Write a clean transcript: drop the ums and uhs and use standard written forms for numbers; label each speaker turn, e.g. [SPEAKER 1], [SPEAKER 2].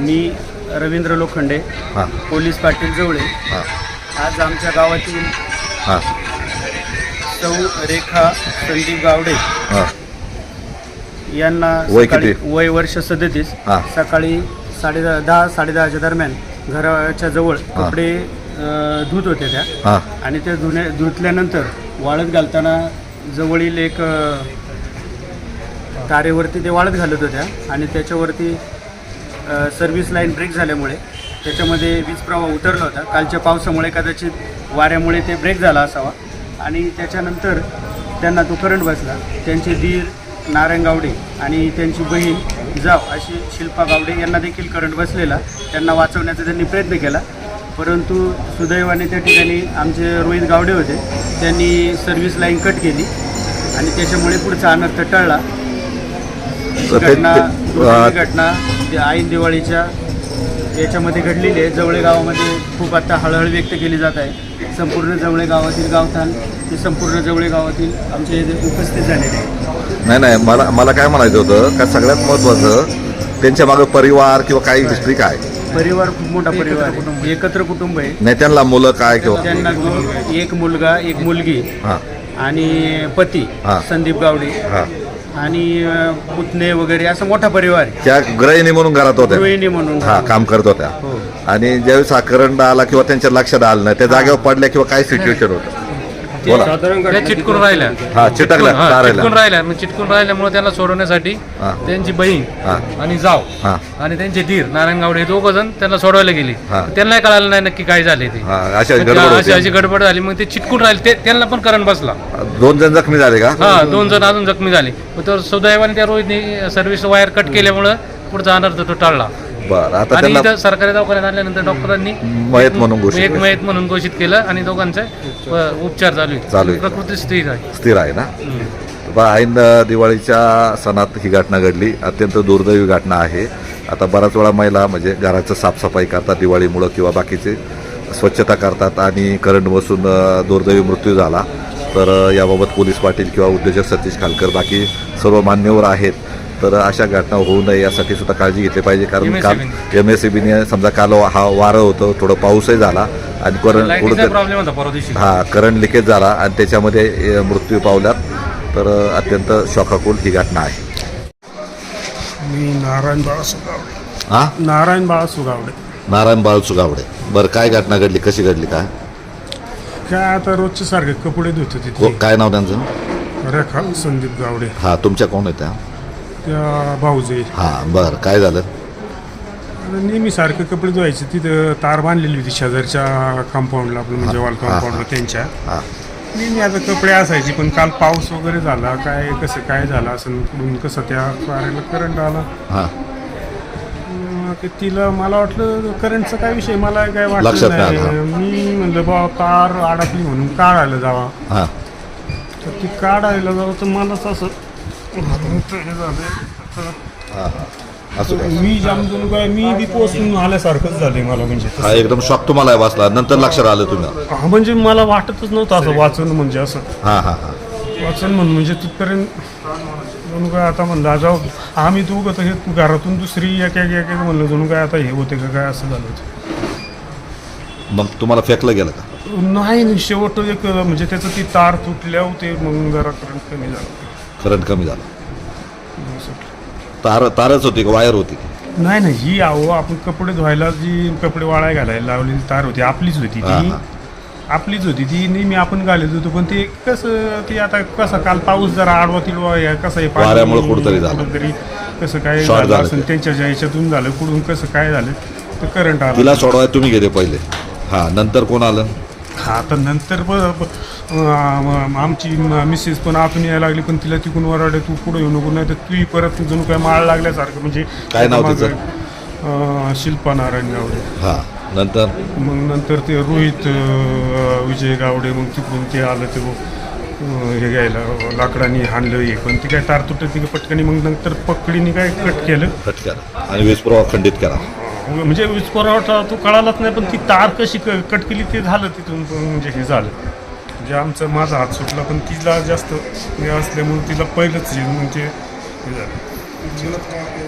[SPEAKER 1] मी रवींद्र लोखंडे,
[SPEAKER 2] हां
[SPEAKER 1] पोलीस पाटील जवळे.
[SPEAKER 2] हां
[SPEAKER 1] आज आमच्या गावातील
[SPEAKER 2] हां
[SPEAKER 1] सौ रेखा संदीप गावडे
[SPEAKER 2] हां
[SPEAKER 1] यांना
[SPEAKER 2] वय
[SPEAKER 1] सकाळी
[SPEAKER 2] किती?
[SPEAKER 1] वय वर्ष 37.
[SPEAKER 2] हां.
[SPEAKER 1] सकाळी 10:30-10:30च्या दरम्यान घराच्या जवळ
[SPEAKER 2] हां.
[SPEAKER 1] कपडे धुत होते त्या,
[SPEAKER 2] हां
[SPEAKER 1] आणि ते धुतल्यानंतर वाळत घालताना जवळील एक तारेवरती ते वाळत घालत होत्या, आणि त्याच्यावरती सर्व्हिस लाईन ब्रेक झाल्यामुळे त्याच्यामध्ये वीज प्रवाह उतरला होता. कालच्या पावसामुळे कदाचित वाऱ्यामुळे ते ब्रेक झाला असावा, आणि त्याच्यानंतर त्यांना तो करंट बसला. त्यांचे दीर नारायण गावडे आणि त्यांची बहीण जाव अशी शिल्पा गावडे यांना देखील करंट बसलेला. त्यांना वाचवण्याचा त्यांनी प्रयत्न केला, परंतु सुदैवाने त्या ठिकाणी आमचे रोहित गावडे होते, त्यांनी सर्व्हिस लाईन कट केली आणि त्याच्यामुळे पुढचा अनर्थ टळला. घटना ऐन दिवाळीच्या याच्यामध्ये घडलेली आहे. जवळे गावामध्ये खूप आता हळहळ व्यक्त केली जात आहे. संपूर्ण जवळे गावातील गावठाण ते संपूर्ण जवळे गावातील आमचे इथे उपस्थित झालेले आहे.
[SPEAKER 2] नाही मला काय म्हणायचं होतं का सगळ्यात महत्त्वाचं त्यांच्या मागं परिवार किंवा काही हिस्ट्री काय?
[SPEAKER 1] परिवार खूप मोठा परिवार आहे, एकत्र कुटुंब आहे.
[SPEAKER 2] नाही त्यांना मुलं काय किंवा
[SPEAKER 1] त्यांना एक मुलगा एक मुलगी
[SPEAKER 2] हां
[SPEAKER 1] आणि पती
[SPEAKER 2] हां.
[SPEAKER 1] संदीप गावडे
[SPEAKER 2] हां
[SPEAKER 1] आणि पुतणे वगैरे असा मोठा परिवार आहे.
[SPEAKER 2] त्या गृहिणी म्हणून घरात होत्या,
[SPEAKER 1] गृहिणी म्हणून
[SPEAKER 2] हा काम करत होत्या.
[SPEAKER 1] हो.
[SPEAKER 2] आणि ज्यावेळेस हा करंट आला किंवा त्यांच्या लक्षात आलं नाही, त्या जागेवर पडल्या किंवा काय सिच्युएशन होतं बोला.
[SPEAKER 3] त्या चिटकून राहिल्या.
[SPEAKER 2] हा चिटकल्या तारेला.
[SPEAKER 3] चिटकून राहिल्या. मग चिटकून राहिल्यामुळे त्यांना सोडवण्यासाठी
[SPEAKER 2] हा.
[SPEAKER 3] त्यांची बहीण
[SPEAKER 2] हा
[SPEAKER 3] आणि जाव
[SPEAKER 2] हा
[SPEAKER 3] आणि त्यांचे धीर नारायण गावडे हे दोघं जण त्यांना सोडवायला गेली.
[SPEAKER 2] हा.
[SPEAKER 3] त्यांनाही कळालं नाही नक्की काय झाले ते.
[SPEAKER 2] हा अशा
[SPEAKER 3] मग
[SPEAKER 2] गडबड
[SPEAKER 3] अशी
[SPEAKER 2] होती.
[SPEAKER 3] गडबड झाली. मग ते चिटकून राहिले. त्यांना पण करंट बसला.
[SPEAKER 2] 2 जण जखमी झाले का?
[SPEAKER 3] हा 2 जण अजून जखमी झाले. मग तर सुदैवाने त्या रोहितने सर्व्हिस वायर कट केल्यामुळं पुढचा अनर्थ तो टळला.
[SPEAKER 2] बरं आता
[SPEAKER 3] आणि
[SPEAKER 2] त्यांना
[SPEAKER 3] इथं सरकारी दवाखान्यात आल्यानंतर डॉक्टरांनी
[SPEAKER 2] मयत म्हणून घोषित
[SPEAKER 3] एक
[SPEAKER 2] केलं.
[SPEAKER 3] मयत म्हणून घोषित केलं आणि दोघांचे उपचार चालू
[SPEAKER 2] चालू आहे.
[SPEAKER 3] प्रकृती स्थिर आहे.
[SPEAKER 2] स्थिर आहे ना. ऐन दिवाळीच्या सणात ही घटना घडली. अत्यंत दुर्दैवी घटना आहे. आता बराच वेळा महिला म्हणजे घराचं साफसफाई करतात दिवाळीमुळं किंवा बाकीचे स्वच्छता करतात आणि करंट बसून दुर्दैवी मृत्यू झाला. तर याबाबत पोलीस पाटील किंवा उद्योजक सतीश खालकर बाकी सर्व मान्यवर आहेत. तर अशा घटना होऊ नये यासाठी सुद्धा काळजी घेतली पाहिजे. कारण काल MSEBने समजा काल वारं होतं, थोडं पाऊसही झाला आणि
[SPEAKER 3] लाईटीचा प्रॉब्लेम होता परवा दिवशी.
[SPEAKER 2] करंट लिकेज झाला आणि त्याच्यामध्ये मृत्यू पावल्यात. तर अत्यंत शोकाकुल ही घटना आहे.
[SPEAKER 4] मी नारायण बाळासू गावडे.
[SPEAKER 2] हां
[SPEAKER 4] नारायण बाळासू गावडे.
[SPEAKER 2] नारायण बाळसू गावडे. बरं काय घटना घडली, कशी घडली काय?
[SPEAKER 4] काय आता रोजचे सारखे कपडे धुत होते तिथे.
[SPEAKER 2] काय नाव त्यांचं?
[SPEAKER 4] रेखा संदीप गावडे.
[SPEAKER 2] हां तुमच्या कोण आहे त्या?
[SPEAKER 4] त्या भाऊजे.
[SPEAKER 2] हां बरं काय झालं?
[SPEAKER 4] नेहमी सारखे कपडे धुवायचे. तिथं तार बांधलेली होती शेजारच्या कंपाऊंडला, आपलं म्हणजे वॉल कंपाऊंडला त्यांच्या.
[SPEAKER 2] हां
[SPEAKER 4] नेहमी आता कपडे असायचे, पण काल पाऊस वगैरे झाला काय कसं काय झालं असं कुठून कसं त्या तारेला करंट आला.
[SPEAKER 2] हां
[SPEAKER 4] तिला मला वाटलं करंटचा काय विषय, मला काय
[SPEAKER 2] लक्षात
[SPEAKER 4] वाटलं
[SPEAKER 2] नाही
[SPEAKER 4] नाही.
[SPEAKER 2] आलं.
[SPEAKER 4] मी म्हणलं बा तार अडकली म्हणून काढायला जावा.
[SPEAKER 2] हां
[SPEAKER 4] तर ती काढायला जावं तर मलाच असं हे झालं.
[SPEAKER 2] हां असं काय?
[SPEAKER 4] मी जामून काय मी बी पोचून आल्यासारखंच झालंय मला. म्हणजे
[SPEAKER 2] हा एकदम शॉक तुम्हाला वाचला, नंतर लक्षात आलं तुम्ही?
[SPEAKER 4] हा म्हणजे मला वाटतच नव्हतं असं वाचन म्हणजे असं
[SPEAKER 2] हां हां हां
[SPEAKER 4] वाचन म्हणून म्हणजे तिथपर्यंत जणू काय आता म्हणलं जाऊ आम्ही दोघं तर हे घरातून दुसरी एक म्हणलं जणू काय आता हे होते का काय असं झालं होतं.
[SPEAKER 2] मग तुम्हाला फेकलं गेलं का?
[SPEAKER 4] नाही शेवट एक म्हणजे त्याचं ती तार तुटल्या होते, मग जरा करंट कमी झालं.
[SPEAKER 2] करंट कमी झालं. तारच होती का वायर होती?
[SPEAKER 4] नाही ही आहो आपण कपडे धुवायला जी कपडे वाळाय घालायला लावलेली तार होती आपलीच होती
[SPEAKER 2] हां,
[SPEAKER 4] ती.
[SPEAKER 2] हां.
[SPEAKER 4] आपलीच होती ती, नेहमी आपण घालत होतो. पण ते कसं ते आता कसं काल पाऊस जरा आडवा तिडवा कसं आहे
[SPEAKER 2] वाऱ्यामुळे कुठंतरी झालं.
[SPEAKER 4] कुठंतरी कसं काय
[SPEAKER 2] शॉर्ट
[SPEAKER 4] झालं
[SPEAKER 2] झालं
[SPEAKER 4] असं
[SPEAKER 2] ते.
[SPEAKER 4] त्यांच्या ह्याच्यातून झालं कुठून कसं काय झालं तर करंट आला.
[SPEAKER 2] तिला सोडवाय तुम्ही गेले पहिले? हां नंतर कोण आलं?
[SPEAKER 4] हा तर नंतर आमची मिसेस पण आतून यायला लागली, पण तिला तिकून वराडे तू पुढे येऊ नको, नाही तर तू परत जणू काय माळ लागल्यासारखं. म्हणजे
[SPEAKER 2] काय नाव तिचं?
[SPEAKER 4] शिल्पा नारायण गावडे.
[SPEAKER 2] हां नंतर
[SPEAKER 4] मग नंतर ते रोहित विजय गावडे, मग तिकडून ते आलं ते हे घ्यायला लाकडाने हाणलं हे, पण ती काय तार तुटत ती पटकनी. मग नंतर पकडीने काय कट केलं
[SPEAKER 2] कट करा आणि वीज प्रवाह खंडित करा.
[SPEAKER 4] म्हणजे वीज पुरवठा तो कळालाच नाही, पण ती तार कशी कट केली ते झालं तिथून. म्हणजे हे झालं म्हणजे माझा हात सुटला, पण तिला जास्त हे असल्यामुळे तिला पहिलंच म्हणजे हे झालं.